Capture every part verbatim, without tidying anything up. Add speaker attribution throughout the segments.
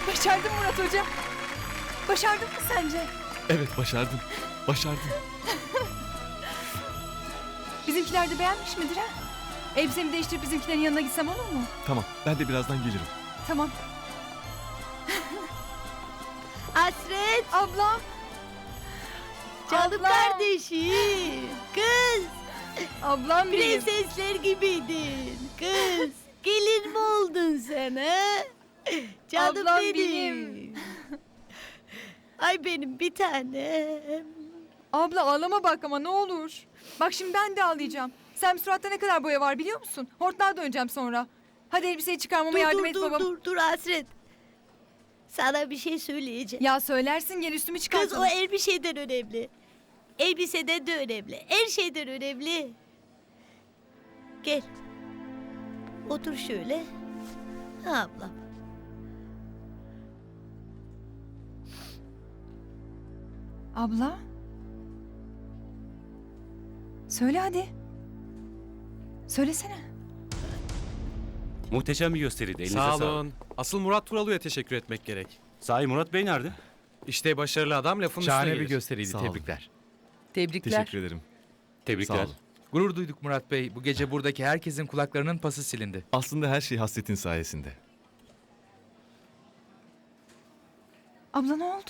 Speaker 1: Başardın Murat Hoca. Başardın mı sence?
Speaker 2: Evet, başardım. Başardım.
Speaker 1: Bizimkiler de beğenmiş midir ha? Elbisemi değiştirip bizimkilerin yanına gitsem olur mu?
Speaker 2: Tamam, ben de birazdan gelirim.
Speaker 1: Tamam.
Speaker 3: Hasret,
Speaker 1: Ablam.
Speaker 3: canım
Speaker 1: Ablam.
Speaker 3: kardeşim. Kız,
Speaker 1: Ablam benim.
Speaker 3: prensesler gibiydin. Kız, gelin mi oldun sen ha? Canım
Speaker 1: Ablam
Speaker 3: benim.
Speaker 1: benim.
Speaker 3: Ay benim bir tanem.
Speaker 1: Abla ağlama bak ama ne olur. Bak şimdi ben de ağlayacağım. Sen suratta ne kadar boya var biliyor musun? Hortlağa döneceğim sonra. Hadi elbiseyi çıkarmama
Speaker 3: Dur
Speaker 1: yardım
Speaker 3: dur
Speaker 1: et
Speaker 3: dur
Speaker 1: babam.
Speaker 3: dur dur Hasret. Sana bir şey söyleyeceğim.
Speaker 1: Ya söylersin gel üstümü
Speaker 3: Kız
Speaker 1: çıkartalım.
Speaker 3: o elbiseden önemli. Elbiseden de önemli. Her şeyden önemli. Gel. Otur şöyle. Ha ablam.
Speaker 1: Abla. Söyle hadi. Söylesene.
Speaker 4: Muhteşem bir gösteriydi. Elinize
Speaker 5: Sağ
Speaker 4: sağlık.
Speaker 5: olun. Asıl Murat Turalı'ya teşekkür etmek gerek.
Speaker 4: Sahi Murat Bey nerede?
Speaker 5: İşte başarılı adam lafın
Speaker 6: Şahane
Speaker 5: üstüne
Speaker 6: bir
Speaker 5: gelir.
Speaker 6: gösteriydi.
Speaker 2: Sağ olun.
Speaker 6: Tebrikler.
Speaker 7: Tebrikler.
Speaker 2: Teşekkür ederim.
Speaker 4: Tebrikler.
Speaker 2: Sağ olun.
Speaker 6: Gurur duyduk Murat Bey. Bu gece buradaki herkesin kulaklarının pası silindi.
Speaker 2: Aslında her şey Hasret'in sayesinde.
Speaker 1: Abla ne oldu?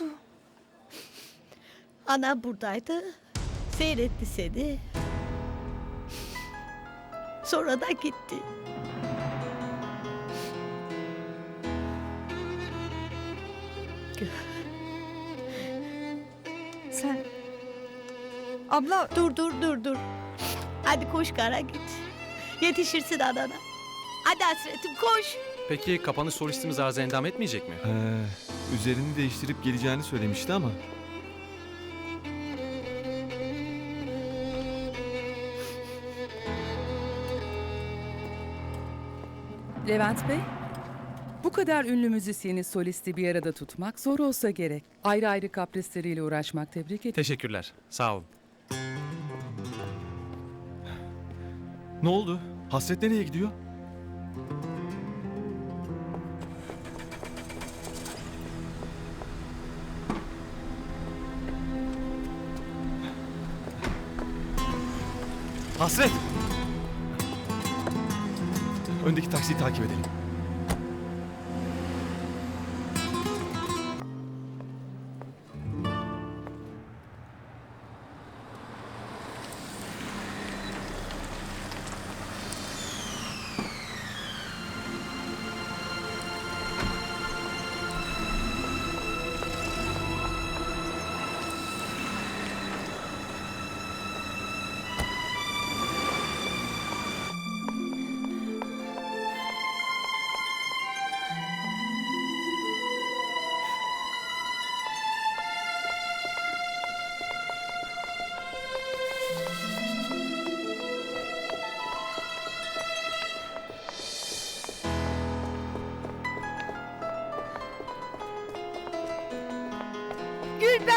Speaker 3: Anam buradaydı. Seyretti seni. Sonra da gitti.
Speaker 1: Sen... Abla
Speaker 3: Dur dur dur dur. Hadi koş kara git. Yetişirsin anana. Hadi Hasretim koş.
Speaker 5: Peki kapanış solistimiz arıza endam etmeyecek mi?
Speaker 2: Ee, üzerini değiştirip geleceğini söylemişti ama...
Speaker 7: Levent Bey, bu kadar ünlü müzisyeni, solisti bir arada tutmak zor olsa gerek. Ayrı ayrı kaprisleriyle uğraşmak, tebrik ederim.
Speaker 5: Teşekkürler. Sağ olun.
Speaker 2: Ne oldu? Hasret nereye gidiyor? Hasret! Öndeki taksiyi takip edelim.
Speaker 1: Gülben!